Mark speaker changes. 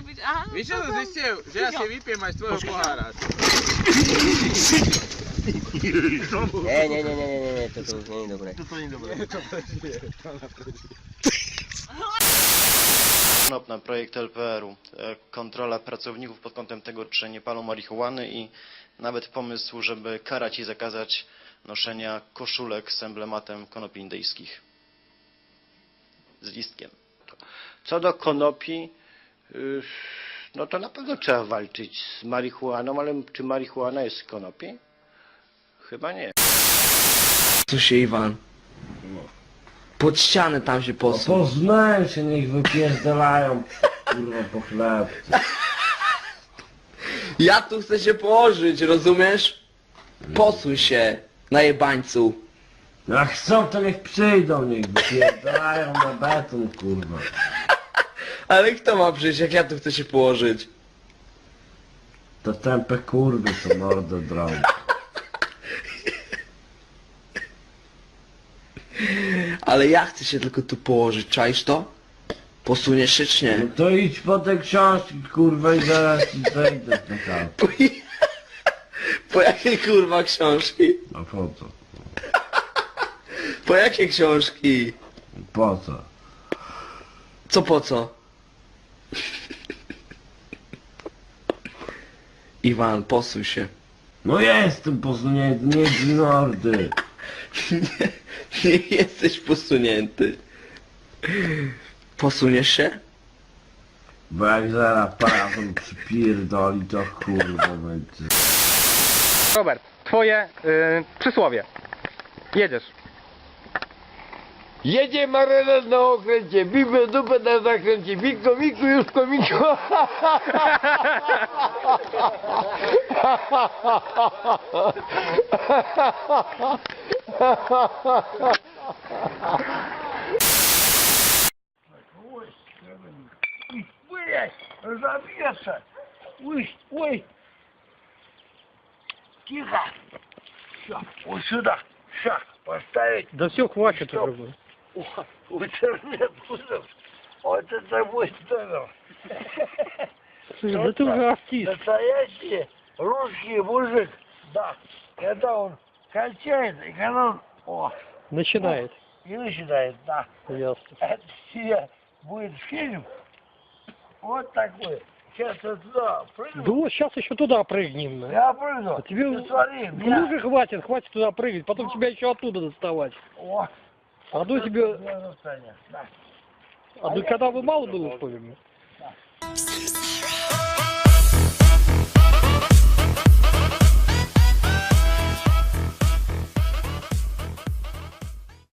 Speaker 1: być, aha.
Speaker 2: Wiesz co, że ja się wypiję z twojego puchara.
Speaker 3: Nie, to nie dobre.
Speaker 2: To nie dobre.
Speaker 4: Konop na projekt LPR-u. Kontrola pracowników pod kątem tego, czy nie palą marihuany i nawet pomysł, żeby karać i zakazać noszenia koszulek z emblematem konopi indyjskich. Z listkiem.
Speaker 5: Co do konopi, no to na pewno trzeba walczyć z marihuaną, ale czy marihuana jest z konopi? Chyba nie.
Speaker 3: Tu się Iwan. Pod ścianę tam się posuń.
Speaker 6: Poznałem się, niech wypierdalają, kurwa, po chleb.
Speaker 3: Ja tu chcę się położyć, rozumiesz? Posuń się, najebańcu.
Speaker 6: Jak chcą, to niech przyjdą, niech wypierdalają na beton, kurwa.
Speaker 3: Ale kto ma przyjść, jak ja tu chcę się położyć?
Speaker 6: To tępe kurwy, co mordę drą.
Speaker 3: Ale ja chcę się tylko tu położyć, czaisz to? Posuniesz się czy nie?
Speaker 6: No to idź po te książki, kurwa, i zaraz ci zejdę na chatę.
Speaker 3: Po jakie kurwa książki?
Speaker 6: A po co?
Speaker 3: Po jakie książki?
Speaker 6: Po co?
Speaker 3: Co po co? Iwan, posuń się.
Speaker 6: No jestem posunięty, nie z mordy.
Speaker 3: Nie jesteś posunięty. Posuniesz się?
Speaker 6: Bo jak zaraz parafon przypierdoli, to kurwa będzie.
Speaker 7: Robert, twoje przysłowie. Jedziesz.
Speaker 8: Jedzie marynarz na okręcie, bibę dupę na zakręcie, miku, miku, już komiku.
Speaker 5: Забьется! Ой! Тихо! Все, вот сюда! Все, поставить!
Speaker 7: Да все, хватит уже.
Speaker 5: В интернет будем! Вот это будет здорово!
Speaker 7: Слушай, да ты уже артист.
Speaker 5: Настоящий русский мужик! Да! Когда он кончает, и когда он... О!
Speaker 7: Начинает.
Speaker 5: И начинает, да!
Speaker 7: Ясно.
Speaker 5: Это себе будет фильм вот такой. Сейчас я туда прыгну.
Speaker 7: Да вот сейчас еще туда прыгнем. Да.
Speaker 5: Я прыгну.
Speaker 7: А тебе
Speaker 5: Ты смотри,
Speaker 7: ну уже хватит туда прыгать, потом тебя еще оттуда доставать.
Speaker 5: О,
Speaker 7: А до тебе...
Speaker 5: я застанет. Да.
Speaker 7: А до когда вы мало было, что ли?
Speaker 5: Да.